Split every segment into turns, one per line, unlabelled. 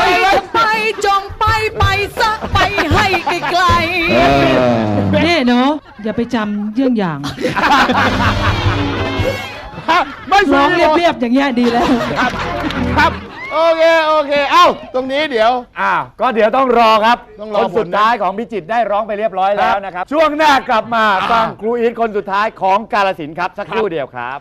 ไปจงไปซะไปให้ไกลๆนี่เนาะอย่าไปจำเยื่องอย่าง
ไม่
ร้อง
เรี
เรียบๆอย่างเงี้ยดีแล้ว
ครับโอเคเอ้าตรงนี้เดี๋ยว
ก็เดี๋ยวต้องรอครับ
ต้อง
ค
รอน
สุดท้ายของพิจิตรได้ร้องไปเรียบร้อยแล้วนะครับ ช่วงหน้ากลับมาฟังครูอีทคนสุดท้ายของกาฬสินธุ์ครับ สักครู่เดียวครับ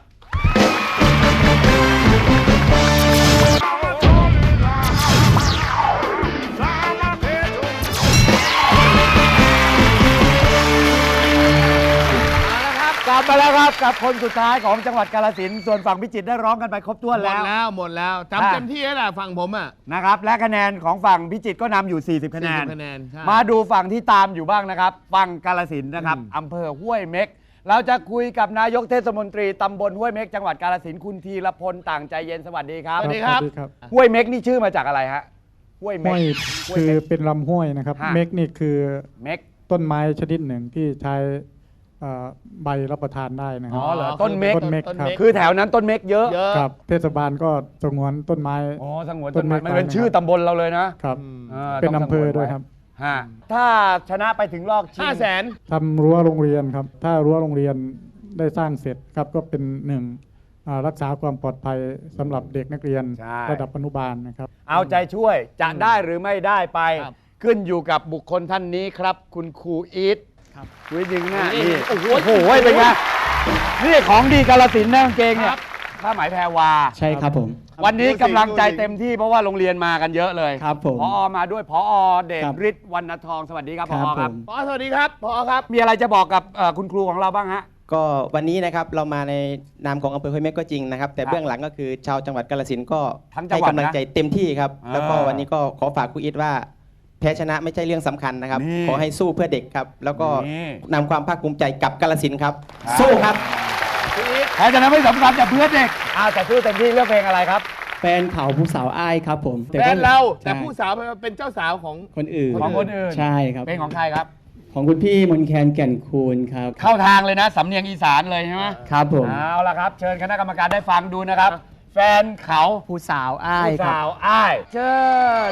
กลับมาแล้วครับกับคนสุดท้ายของจังหวัดกาฬสินธุ์ส่วนฝั่งพิจิตรได้ร้องกันไปครบถ้วนแล้ว
หมดแล้วจำเต็มที่แล้วแหละฝั่งผมอ่ะ
นะครับและคะแนนของฝั่งพิจิตรก็นำอยู่ 40 คะแนน
คะแนนใช่
มาดูฝั่งที่ตามอยู่บ้างนะครับฝั่งกาฬสินธุ์นะครับอำเภอห้วยเม็กเราจะคุยกับนายกเทศมนตรีตำบลห้วยเม็กจังหวัดกาฬสินธุ์คุณธีรพลต่างใจเย็นสวัสดีครับ
สวัสดีครับ
ห้วยเม็กนี่ชื่อมาจากอะไรฮะห้วยเม็
ห้
ก
วยคือเป็นลำห้วยนะครับ
ฮะ
เม็กนี่คือ
เม็ก
ต้นไม้ชนิดหนึ่งที่ใช้ใบรับประทานได้นะค
อ๋
รั
อบ เหรอต้นเม็ก
ต้นเม็กครับ
คือแถวนั้นต้นเม็กเยอะ
ครับเทศบาลก็สงวนต้นไม้
อ๋อสงวนต้นไม้
ต้นเม็ก
มันเป็นชื่อตำบลเราเลยนะครับ
เป็น
ต้ง
อำเภอ
สงน
ด้วยครับ
ฮะถ้าชนะไปถึงรอบชิง
500,000
ทำรั้วโรงเรียนครับ ถ้ารั้วโรงเรียนได้สร้างเสร็จครับก็เป็นหนึ่งรักษาความปลอดภัยสำหรับเด็กนักเรียนระดับอนุบาลนะครับ
เอาใจช่วยจะได้หรือไม่ได้ไป
ครับ
ขึ้นอยู่กับบุคคลท่านนี้ครับ คุณครูอีทครูอีทยิงหน้า
นี่
นี่
โอ้โห
โอ้โหเป็นไงนี่ของดีกาฬสินธุ์นะกางเกงเนี่ยผ้าไหมแพรวา
ใช่ครับผม
วันนี้กำลังใจเต็มที่เพราะว่าโรงเรียนมากันเยอะเลย
ครับผม
พอมาด้วยพอเดช
ครับ
ฤทธิ์วรรณทองสวัสดีครับพ
ค
อ
รับ
ครับ
ผม
พอสวัสดีครับพอครับ
มีอะไรจะบอกกับคุณครูของเราบ้างฮะ
ก็วันนี้นะครับเรามาในนามของอำเภอห้วยเม็กก็จริงนะครับ แต่
ครับ
เบื้องหลังก็คือชาวจังหวัดกาฬสินธุ์ก็
ทั้งจัง
ให้
หวัดนะ
กำลังใจเต็มที่ครับ
อ่า
แล้วก็วันนี้ก็ขอฝากครูอิทว่าแพ้ชนะไม่ใช่เรื่องสำคัญนะครับ
นี่
ขอให้สู้เพื่อเด็กครับ แล้วก็
นี่
นำความภาคภูมิใจกับกาฬสินธุ์ครับ สู้ครับ
แพ้ชนะไม่สำคัญแต่เพื่อนเด็กแต่สู้เต็มที่เลือกเพลงอะไรครับ
แฟนเขาผู้สาวอ้ายครับผม
แฟนเราแต่
ใช่
ผู้สาวเป็นเจ้าสาวของ
คนอื่น
ของคนอื่น
ใช่ครับ
เพลงของใครครับ
ของคุณพี่มนแคนแก่นคูณครับ
เข้าทางเลยนะสำเนียงอีสานเลยใช่ไหม
ครับผม
เอาละครับ เชิญคณะกรรมการได้ฟังดูนะครับ แฟนเขา
ผู้สาวอ้าย
ผู้
ครับ
สาวอ้าย เชิญ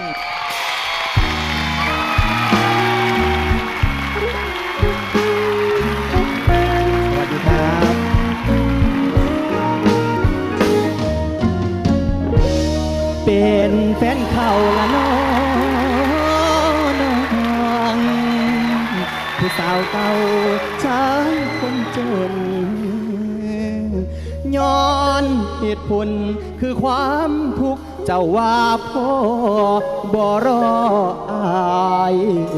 สวัสดีครับ เป็นแฟนเขาละน้องผู้สาวเก่าชายคนจน ย้อนเหตุผลคือความทุกข์เจ้าว่าพ่อบ่รออาย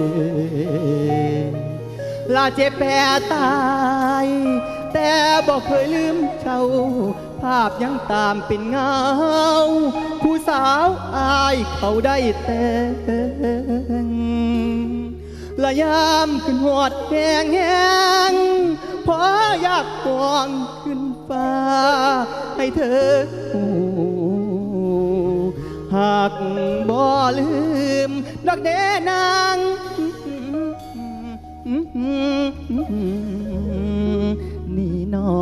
ลาเจ็บแผลตาย แต่บอกเคยลืมเจ้า ภาพยังตามเป็นเงา ผู้สาวอายเขาได้แต่งละยามขึ้นหอดแหงแหงพออยากกองขึ้นฟ้า ให้เธอหากบ่ลืมดอกเดนางนี่นอ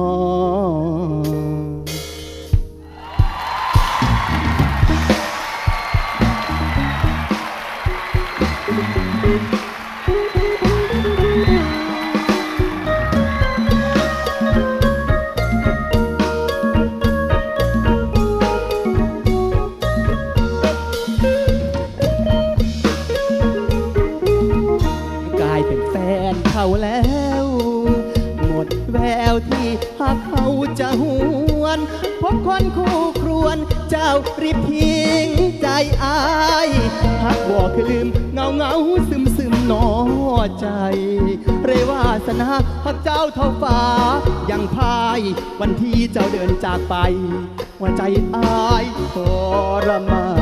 กลายเป็นแฟนเขาแล้ว หมดแววที่หากเขาจะหวนพบคนคู่ครวนเจ้ารีบทิ้งใจอายหากบอกคือลืมเงาเงาซึมซึมหนอใจ เรวาสนาหากเจ้าเท่าฟ้ายังพายวันที่เจ้าเดินจากไปหัวใจอายทรมาน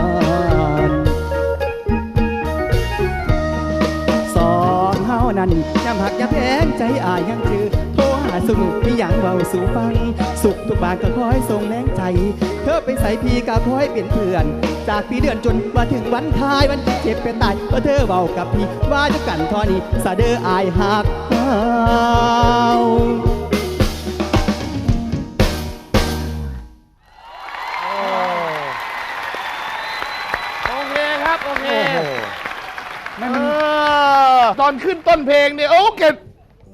สองเฮานั้นย้ำหักย้ำแพงใจอายยังคือโทรหาสนุกมีอย่างเบาสู่ฟัง สุขทุกบาทก็คอยส่งแรงใจ เธอไปใส่พี่ก็คอยเป็นเพื่อน จากปีเดือนจนมาถึงวันท้ายวันที่เจ็บเป็นตายเพราะเธอเบากับพี่ว่าจะกันทอนี้สะเดออายหักเฮา
โอเคคครับโอเค
โอ้โหไม่มัน
ตอนขึ้นต้นเพลงเนี่ยโอ้เก็บ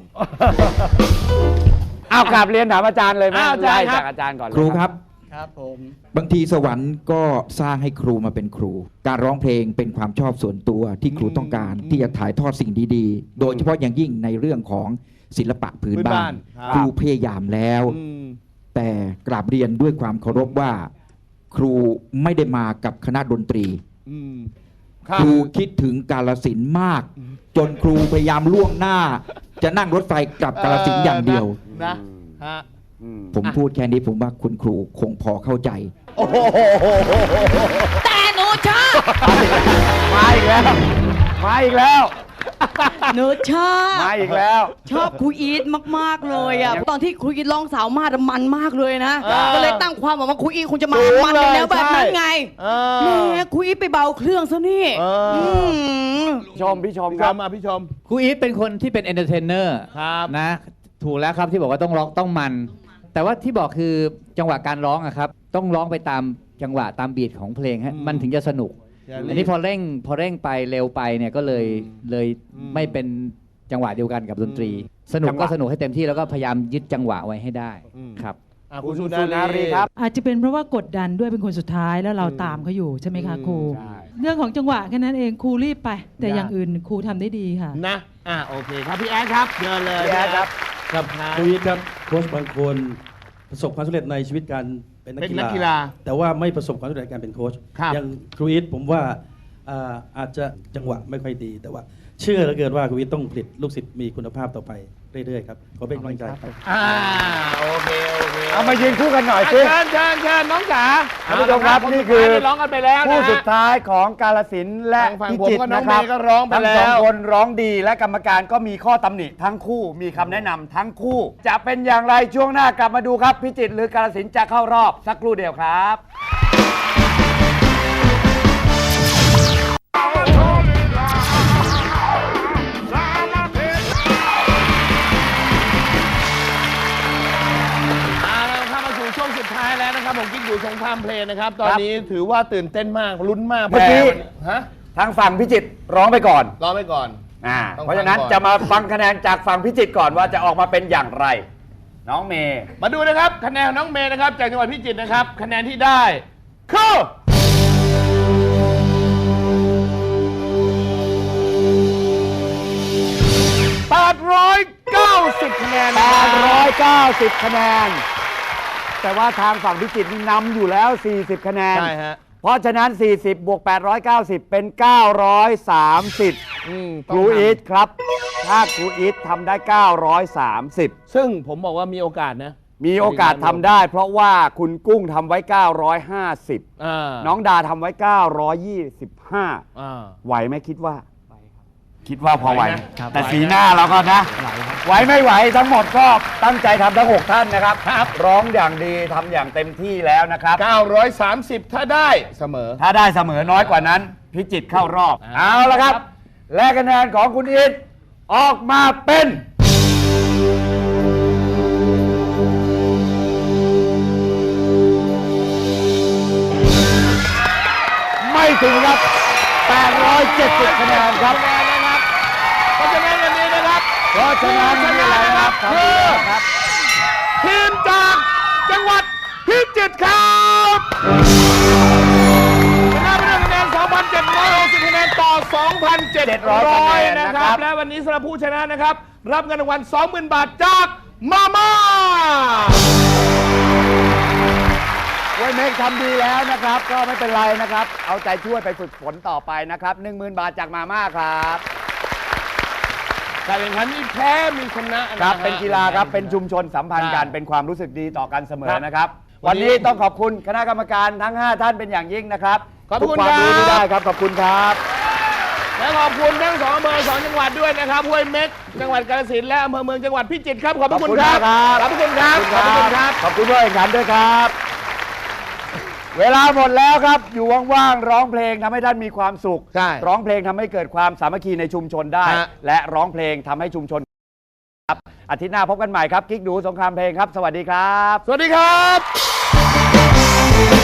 เอากลับเรียนถามอาจารย์เลยไหม
อาจารย์ครับ
ไล่จากอาจารย์ก่อนเลย
ครูครับ
ครับผม
บางทีสวรรค์ก็สร้างให้ครูมาเป็นครู การร้องเพลงเป็นความชอบส่วนตัวที่ครูต้องการที่จะถ่ายทอดสิ่งดีๆ โดยเฉพาะอย่างยิ่งในเรื่องของศิลปะพื้นบ้าน ครูพยายามแล้ว แต่กราบเรียนด้วยความเคารพว่า ครูไม่ได้มากับคณะดนตรี ครูคิดถึงกาลสินธุ์มาก จนครูพยายามล่วงหน้า จะนั่งรถไฟกลับกาลสินธุ์อย่างเดียว
นะฮะ
ผมพูดแค่นี้ผมว่าคุณครูคงพอเข้าใจ
โอ้โห
แต่หนูชอบ
มาอีกแล้วมาอีกแล้ว
หนูชอบ
มาอีกแล้ว
ชอบครูอีทมากๆเลยอ่ะตอนที่ครูอีทร้องสาวมาดมันมากเลยนะ ก็เลยตั้งความหวังว่าครูอีทคงจะมา
สูง
มัน
เลย
ในแนวแบบนั้นไง
เออ
แหมครูอีทไปเบาเครื่องซะนี่ ม
ชมพี่ชม
พี่
ค
ช
รับ
มมาพี่ชม
ครูอีทเป็นคนที่เป็นเอนเตอร์เทนเนอร์
ครับ
นะถูกแล้วครับที่บอกว่าต้องร้องต้องมัน แต่ว่าที่บอกคือจังหวะการร้องอะครับต้องร้องไปตามจังหวะตามบีทของเพลงฮะมันถึงจะสนุก อันนี้พอเร่งไปเร็วไปเนี่ยก็เลยไม่เป็นจังหวะเดียวกันกับดนตรี สนุกก็สนุกให้เต็มที่แล้วก็พยายามยึดจังหวะไว้ให้ได้ครับ
คุณสุ
สุนารีครับ
อาจจะเป็นเพราะว่ากดดันด้วยเป็นคนสุดท้ายแล้วเราตามเขาอยู่ใช่ไหมคะครู
ใช่
เรื่องของจังหวะแค่นั้นเองครูรีบไป แต่อย่างอื่นครูทำได้ดีค่ะ
นะโอเคครับพี่แอดครับเชิญเลย
พี่แอดครับ
ครับครูอีทครับโค้ชบางคนประสบความสำเร็จในชีวิตการเป็นนัก
เป็นนักกี
กี
ฬา
ฬาแต่ว่าไม่ประสบความสำเร็จในการเป็นโค้ช
ครับ
อย่างครูอีทผมว่าอาจจะจังหวะไม่ค่อยดี แต่ว่าเชื่อเหลือเกินว่าครูอีทต้องผลิตลูกศิษย์มีคุณภาพต่อไปเรื่อยๆครับขอเป็นกำลังใจครับ
โอเค
เอามายืนคู่กันหน่อยสิ
เชิญน้องจ๋า
ท่านผู้ชมครับนี่คือ
ได้ร้องกันไปแล้วนะ
ผู้สุดท้ายของกาลสินธุ์และ
ฝั่ง
พิ
ผม
จิตร
กับน้อ
นะ
ง
ครั
เมย์ก็ร้องไป
ทั้ง
แล้ว
สองคนร้องดีและกรรมการก็มีข้อตำหนิทั้งคู่มีคำแนะนำทั้งคู่ จะเป็นอย่างไรช่วงหน้ากลับมาดูครับ พิจิตรหรือกาลสินธุ์จะเข้ารอบสักครู่เดียวครับ
เข้ามาสู่ช่วงสุดท้ายแล้วนะครับผมกิ๊กดูสงครามเพลงนะครับ ตอนนี้ถือว่าตื่นเต้นมากลุ้นมาก
เมื่อกี้
ฮะ
ทางฝั่งพิจิตรร้องไปก่อน
รอไปก่อน ต้อง
เพราะฉะนั้น
ฟังก่อน
จะมาฟังคะแนนจากฝั่งพิจิตรก่อนว่าจะออกมาเป็นอย่างไร น้องเมย์
มาดูนะครับคะแนนของน้องเมย์นะครับจากจังหวัดพิจิตรนะครับคะแนนที่ได้คือ890คะแนนนะครับ
890 คะแนน แต่ว่าทางฝั่งพิจิตรนี่นำอยู่แล้ว 40 คะแนน
ใช่ฮะ
เพราะฉะนั้น 40 บวก 890 เป็น 930 ครูอีทครับ ถ้าครูอีททำได้ 930
ซึ่งผมบอกว่ามีโอกาสนะ
มีโอกาสทำได้ เพราะว่าคุณกุ้งทำไว้ 950 น้องดาทำไว้ 925 ไหวไหมคิดว่า คิดว่าพอไหว
ไหวนะ
แต่สีหน้าเราก็นะ ไหวไม่ไหวทั้งหมดก็ตั้งใจทำทั้ง 6 ท่านนะครับ ร้องอย่างดีทำอย่างเต็มที่แล้วนะครับ
930 ถ้าได้เสมอ
ถ้าได้เสมอน้อยกว่านั้น พิจิตรเข้ารอบ เอาละครับ และคะแนนของคุณอิทออกมาเป็น ไม่ถึงครับ 870 คะแนนครับ
เพราะฉะนั้นวันนี้นะครับ
เพราะฉะนั้นนี่อะไรนะครับ
คือทีมจากจังหวัดพิจิตรครับชนะไปด้วยคะแนน 2,760 คะแนนต่อ 2,700 นะครับ และวันนี้สำหรับผู้ชนะนะครับ รับเงินรางวัล 20,000 บาทจากมาม่า
เว้ยเมกทำดีแล้วนะครับ ก็ไม่เป็นไรนะครับ เอาใจช่วยไปฝึกฝนต่อไปนะครับ 10,000 บาทจากมาม่าครับ
การแข่งขันมีแพ้มีชนะนะ
ค
ฮะ
รับ เป็นกีฬาครับ เป็นชุมชนสัมพันธ์กัน เป็นความรู้สึกดีต่อกันเสมอนะครับ วันนี้ต้องขอบคุณคณะกรรมการทั้ง 5 ท่านเป็นอย่างยิ่งนะครับ
ขอบคุณ
ทุกความรู้
ครับ
ที่ได้ครับ ขอบคุณครับ
และขอบคุณทั้ง2อำเภอ2จังหวัดด้วยนะครับห้วยเม็กจังหวัดกาฬสินธุ์และอำเภอเมืองจังหวัดพิจิตรครับ ขอบพระคุณครับ ขอบพระคุณครับ ขอบพระคุณครับ
ขอบคุณผู้แข่งขันด้วยครับ เวลาหมดแล้วครับ อยู่ว่างๆร้องเพลงทำให้ท่านมีความสุข
ใช่
ร้องเพลงทำให้เกิดความสามัคคีในชุมชนได้
ฮะ
และร้องเพลงทำให้ชุมชนครับอาทิตย์หน้าพบกันใหม่ครับกิ๊กดูสงครามเพลงครับ สวัสดีครับ
สวัสดีครับ